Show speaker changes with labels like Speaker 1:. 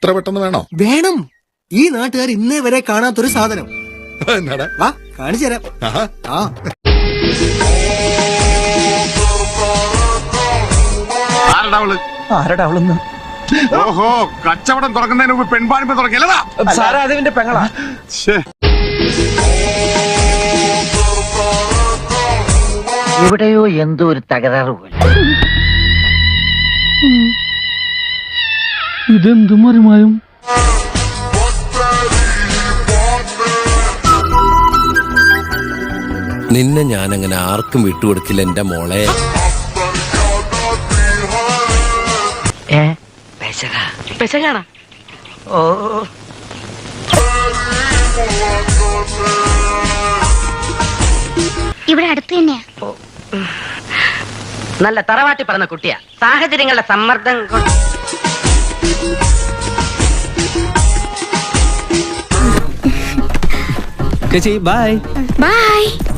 Speaker 1: ഇത്ര പെട്ടെന്ന് വേണോ?
Speaker 2: വേണം. ഈ നാട്ടുകാർ ഇന്നേ വരെ കാണാത്തൊരു സാധനം.
Speaker 1: എന്നാടാ?
Speaker 2: വാ കാണിച്ചു തരാം.
Speaker 1: ആഹാ.
Speaker 2: ആ
Speaker 3: ആരടാ അവളെന്ന്?
Speaker 4: ഓഹോ, കച്ചവടം തുറക്കുന്നതിന് മുമ്പ് പെൺപാണിപ്പ് തുറക്കില്ലതാ.
Speaker 3: സാറാ അതിന്റെ പെങ്ങളാ.
Speaker 5: എവിടെയോ എന്തോ ഒരു തകരാറ് പോലെ.
Speaker 6: ഇതെന്തു മറിമായും?
Speaker 7: നിന്നെ ഞാനങ്ങനെ ആർക്കും വിട്ടുകൊടുക്കില്ല എന്റെ മോളെ.
Speaker 5: പെശകാണോ? ഓ
Speaker 8: ഇവിടെ അടുത്ത് തന്നെയാ.
Speaker 5: നല്ല തറവാട്ടി പറഞ്ഞ കുട്ടിയാ. സാഹചര്യങ്ങളുടെ സമ്മർദ്ദം കൊണ്ട്
Speaker 3: ചേച്ചി ബൈ.
Speaker 8: ബൈ.